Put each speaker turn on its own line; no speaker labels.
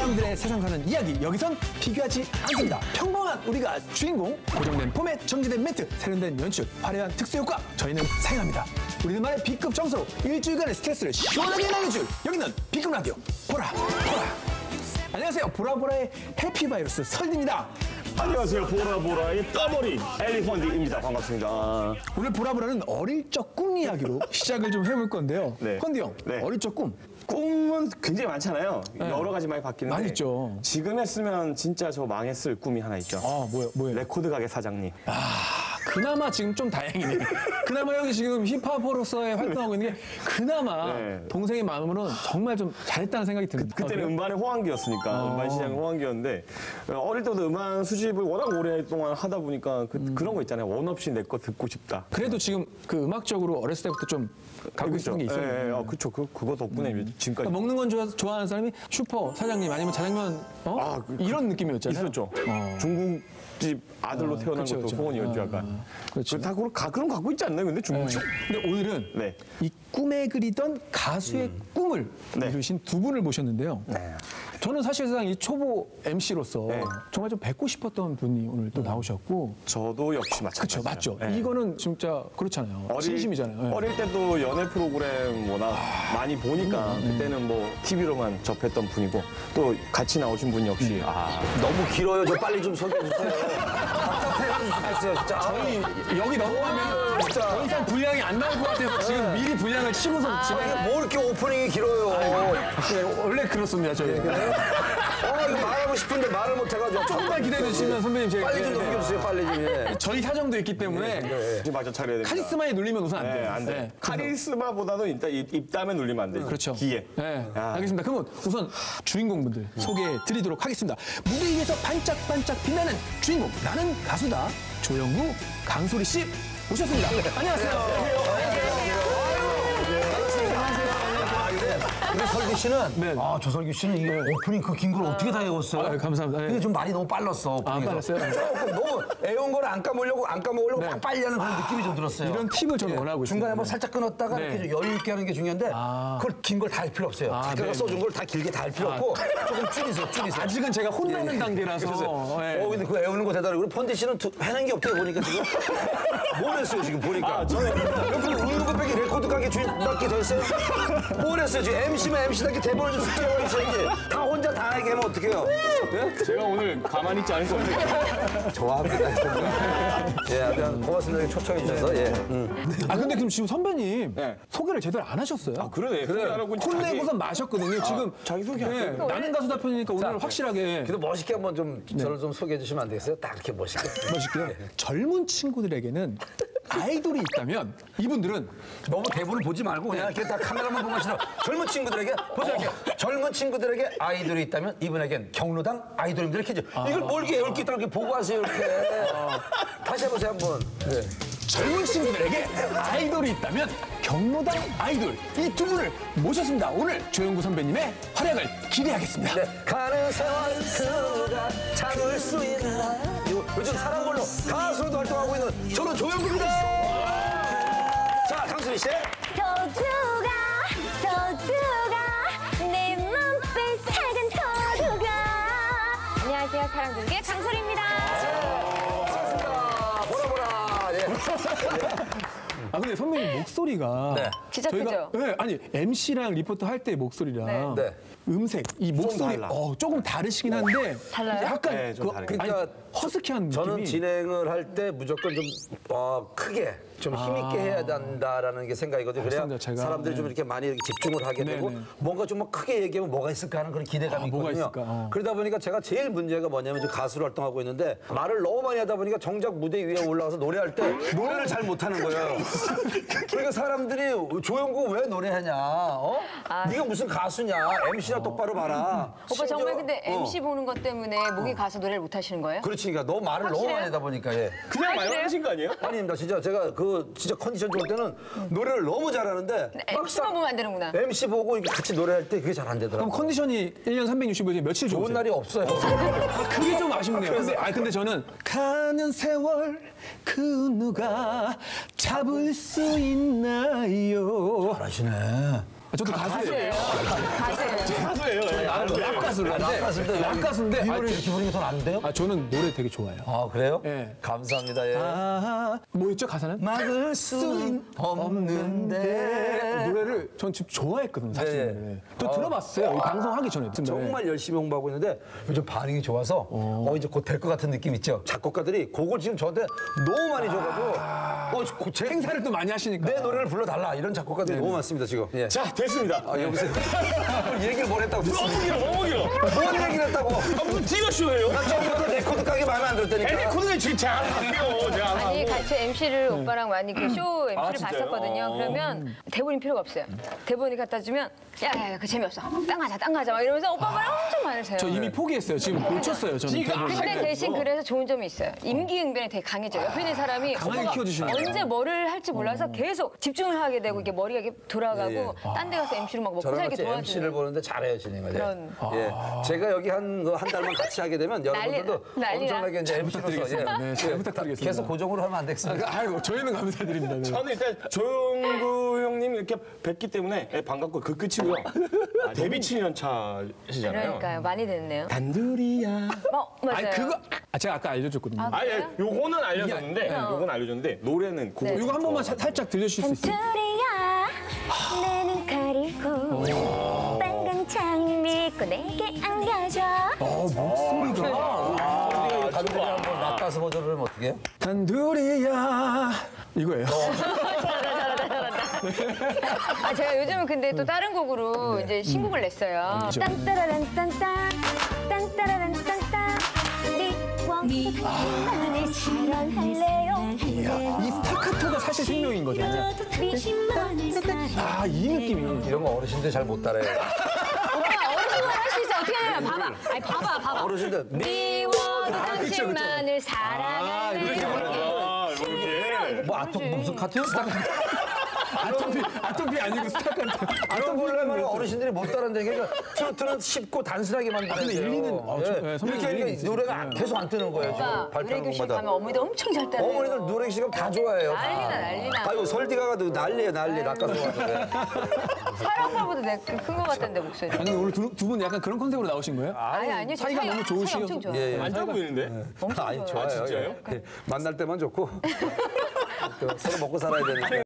사람들의 세상 사는 이야기, 여기선 비교하지 않습니다. 평범한 우리가 주인공, 고정된 포맷, 정제된 멘트, 세련된 연출, 화려한 특수효과, 저희는 사용합니다. 우리들만의 B급 정서로 일주일간의 스트레스를 시원하게 날려줄 여기는 B급 라디오 보라 보라. 안녕하세요, 보라보라의 해피바이러스 설디입니다.
안녕하세요, 보라보라의 떠머리 엘리펀디입니다. 반갑습니다.
오늘 보라보라는 어릴 적 꿈 이야기로 시작을 좀 해볼 건데요.
네.
펀디 형,
네.
어릴 적 꿈.
꿈은 굉장히 많잖아요. 여러 가지 많이 바뀌는데.
많이 있죠.
지금 했으면 진짜 저 망했을 꿈이 하나 있죠.
아, 뭐예요?
레코드 가게 사장님.
그나마 지금 좀 다행이네. 그나마 형이 지금 힙합으로서의 활동하고 있는 게 그나마
네.
동생의 마음으로는 정말 좀 잘했다는 생각이 듭니다.
그때는 음반의 호황기였으니까 음반 시장의 호황기였는데 어릴 때부터 음반 수집을 워낙 오랫동안 하다 보니까 그런 거 있잖아요. 원 없이 내 거 듣고 싶다.
그래도 지금 그 음악적으로 어렸을 때부터 좀 갖고 있었던 게 있어요.
예, 그렇죠. 그거 덕분에 지금까지
그러니까 먹는 건 좋아하는 사람이 슈퍼 사장님 아니면 자장면 이런 느낌이었잖아요.
있었죠. 중국집 아들로 태어난
그쵸,
것도
그쵸.
소원이었죠, 약간.
그렇죠.
다 그런 거 갖고 있지 않나요, 근데 중국집?
근데 오늘은
네.
이 꿈에 그리던 가수의 꿈을
네.
이루신 두 분을 모셨는데요.
네.
저는 사실상 이 초보 MC로서
네.
정말 좀 뵙고 싶었던 분이 오늘 또 나오셨고.
저도 역시
그렇죠,
마찬가지죠.
맞죠.
네.
이거는 진짜 그렇잖아요. 진심이잖아요. 네.
어릴 때도 연애 프로그램 워낙 많이 보니까 그때는 뭐 TV로만 접했던 분이고 또 같이 나오신 분 역시
너무 길어요. 저 빨리 좀 소개해 주세요. 답답해가지고 죽겠어요, 진짜.
저희 여기 넘어가면 더 이상 분량이 안 나올 것 같아서 지금 미리 분량을 치고서 집에
뭐 이렇게 오프닝이 길어요.
네, 원래 그렇습니다, 저희.
이거 말하고 싶은데 말을 못 해가지고.
조금만 기다려 주시면 선배님 제가
빨리 좀 넘겨주세요, 빨리 좀. 예.
저희 사정도 있기 때문에
지금 맞춰 차려야 됩니다.
카리스마에 눌리면 우선 안
네,
돼요.
안 돼.
네.
카리스마보다도 일단 입담에 눌리면 안 돼.
그렇죠.
기에.
네,
아.
알겠습니다. 그러면 우선 주인공분들 소개해 드리도록 하겠습니다. 무대 위에서 반짝반짝 빛나는 주인공, 나는 가수다. 조영구, 강소리 씨 오셨습니다. 안녕하세요.
우리 설규 씨는,
네.
조설규 씨는 이게 오프닝 그 긴 걸 어떻게 다 외웠어요?
감사합니다.
이게 좀 말이 너무 빨랐어. 오프닝에서.
빨랐어요?
조금 너무 애온 걸 안 까먹으려고 막 빨리 하는 그런 느낌이 좀 들었어요.
이런 팁을 저는 원하고 있습니다.
중간에 뭐 살짝 끊었다가
네.
이렇게 좀 여유 있게 하는 게 중요한데 그걸 긴 걸 다 할 필요 없어요. 작가가
네.
써준 걸 다 길게 다 할 필요 없고 조금 줄이세요.
아직은 제가 혼나는 단계라서. 네.
근데 그 애우는 거 대단하고 우리 펀디 씨는 해낸 게 없대요 보니까 지금. 뭘 했어요 지금 보니까. 저는 그 웃는 거 빼기 레코드 가게 주인답게 됐어요. 뭘 했어요 지금 MC면 MC답게 대본을 좀 숙제하고 있어야지. 다 혼자 다 하게 하면 어떡해요. 네?
제가 오늘 가만히 있지 않을 겁니다.
좋아합니다. 예, 하여튼 고맙습니다. 초청해 주셔서. 예.
근데 그럼 지금 선배님
네.
소개를 제대로 안 하셨어요?
그러네.
혼내고선 마셨거든요. 지금
자기소개
네, 나는 가수다 편이니까 오늘 확실하게
그래도 멋있게 한번 좀 저를 좀 소개해 주시면 안 되겠어요? 딱 이렇게 멋있게.
멋있고요. 젊은 친구들에게는 아이돌이 있다면 이분들은
너무 대본을 보지 말고 그냥 이렇게 다 카메라만 보고 하시라. 젊은 친구들에게 보세요. 이렇게 젊은 친구들에게 아이돌이 있다면 이분에겐 경로당 아이돌입니다. 이렇게 해줘. 이걸 뭘 이렇게 10개 이렇게 보고 하세요. 이렇게. 다시 해보세요 한번. 네.
젊은 친구들에게 아이돌이 있다면 경로당 아이돌 이 두 분을 모셨습니다. 오늘 조영구 선배님의 활약을 기대하겠습니다.
네. 가는 세월 그가 참을 수 있나. 요즘 사랑 걸로 가수로도 활동하고 있는 저는 조영구입니다. 자, 강수리 씨.
도두가 내 맘빛 작은 도두가. 안녕하세요, 사랑둥이의 강소리입니다.
보라. 예.
근데 선배님 목소리가
네.
진짜 크죠?
네, 아니 MC랑 리포터 할 때 목소리랑
네.
음색 이 목소리
달라.
조금 다르시긴 한데
달라요?
약간
네, 좀 다르게.
그러니까
허스키한
저는
느낌이
진행을 할 때 무조건 좀 크게 좀 힘있게 해야 된다라는 게 생각이거든요. 그래야
알겠습니다, 제가.
사람들이 좀 이렇게 많이 이렇게 집중을 하게
네,
되고
네.
뭔가 좀 막 크게 얘기하면 뭐가 있을까 하는 그런 기대감이
뭐가
있거든요.
있을까?
그러다 보니까 제가 제일 문제가 뭐냐면 지금 가수로 활동하고 있는데 말을 너무 많이 하다 보니까 정작 무대 위에 올라가서 노래할 때 노래를 잘 못하는 거예요. 그러니까 사람들이 조영구 왜 노래하냐? 네가 무슨 가수냐? MC나 똑바로 봐라.
오빠 정말
심지어-
근데 MC 보는 것 때문에 목이 가서 노래를 못 하시는 거예요?
그렇지, 그러니까 너무 말을 너무 많이 하다 보니까 예.
그냥 말하신 거 아니에요?
아닙니다. 진짜 제가 진짜 컨디션 좋을 때는 노래를 너무 잘하는데
MC만 보면 안 되는구나.
MC 보고 이렇게 같이 노래할 때 그게 잘 안
그럼
되더라고요.
컨디션이 1년 365일에 며칠
좋은
좋으세요?
날이 없어요.
그게 좀 아쉽네요. 근데 저는 가는 세월 그 누가 잡을 수 있나요?
잘하시네.
저도 가수예요.
가수예요.
가수예요.
가수를 하는데 락 가수인데
이 노래 이렇게 부르면 더 안 돼요?
저는 노래 되게 좋아해요.
아 그래요?
예.
감사합니다. 예.
뭐였죠 가사는?
막을 수는 없는데
노래를 전 지금 좋아했거든요 사실.
네.
또 들어봤어요. 이 방송하기 전에.
정말 열심히 홍보하고 있는데 요즘 반응이 좋아서 이제 곧 될 것 같은 느낌 있죠. 작곡가들이 곡을 지금 저한테 너무 많이 줘가지고 제
행사를 또 많이 하시니까.
내 노래를 불러달라 이런 작곡가들이 너무 많습니다 지금. 예.
자, 됐습니다.
여보세요. 얘기를 뭘 했다고 됐습니다.
너무 길어.
뭔 얘기를 했다고?
무슨 디너쇼예요?
나 처음부터 레코드 가게 마음에 안 들었다니까.
레코드가 지금 잘 안 바뀌어. 제가 안
아니
하고.
같이 MC를 오빠랑 많이 그 쇼 MC를
진짜요?
봤었거든요. 그러면 대본이 필요가 없어요. 대본이 갖다 주면 야야야 그 재미없어. 딴 가자 막 이러면서 오빠 말 엄청 많으세요.
저 이미 포기했어요. 지금 고쳤어요. 저는.
근데 대신 그래서 좋은 점이 있어요. 임기응변이 되게 강해져요. 옆에 있는 사람이
강하게
오빠가
키워주시는
언제 뭐를 할지 몰라서 계속 집중을 하게 되고 이게 머리가 이렇게 돌아가고 딴 데 가서 MC를 막 먹고
저랑
살게
같이
도와주는.
MC를 보는데 잘해요 진행을.
그런.
예. 제가 여기 한 달만 같이 하게 되면 여러분들도
난리나.
엄청나게 이제 MC로서
네, 잘 부탁드리겠습니다.
계속 고정으로 하면 안 되겠습니다.
아이고 저희는 감사드립니다. 네.
저는 일단 조용구 형님 이렇게 뵙기 때문에 반갑고 그 끝이고요. 데뷔 7년 차시잖아요.
그러니까요. 많이 됐네요.
단둘이야.
맞아요.
아니 그거 제가 아까 알려줬거든요.
아,
아예
그래요?
요거는 알려줬는데 요건 알려줬는데 노래는 그거.
이거 한 번만 살짝 들려주실 수 있어요?
둘이야 내 눈 가리고 빨간 창 믿고 내게 안겨줘
목소리가
단둘이 한번 락가수 버전을 하면 어떻게 해요?
단둘이야 이거예요.
제가 요즘은 근데 또 다른 곡으로 이제 신곡을 냈어요.
딴따라란 딴딴 딴따라란 딴딴 미워 나를 사랑할래요
이 스타카토가 사실 생명인 거죠. 아 이 느낌이.
이런 거 어르신들 잘 못 따라해요.
오빠 어르신만 할 수 있어. 어떻게 하냐면 봐봐. 아니 봐봐.
어르신들
미워도 당신만을 사랑하는
이렇게.
뭐 무슨 카트요?
아토피 아니고 스타카토.
이런 걸로 하면 어르신들이 못 따라한다는 게 트로트는 쉽고 단순하게 만드는
근데 일리는
이렇게 하니까 노래가 계속 안 뜨는 거예요. 지금
오빠
발표하는
노래교실
곡마다.
가면 어머니들 엄청 잘 따라해요.
어머니들 노래 시간 다 좋아해요.
난리나.
아이고 설디가 가도 난리예요 난리 락가수 가도.
사랑팔보다 큰거 같던데 목소리.
아니 오늘 두 분 약간 그런 컨셉으로 나오신 거예요?
아니요. 저
사이가 너무 좋으시고.
사이 엄청 좋아.
예, 예.
안 좋아 보이는데?
아니 좋아요.
진짜요?
예. 만날 때만 좋고 또 서로 먹고 살아야 되니까.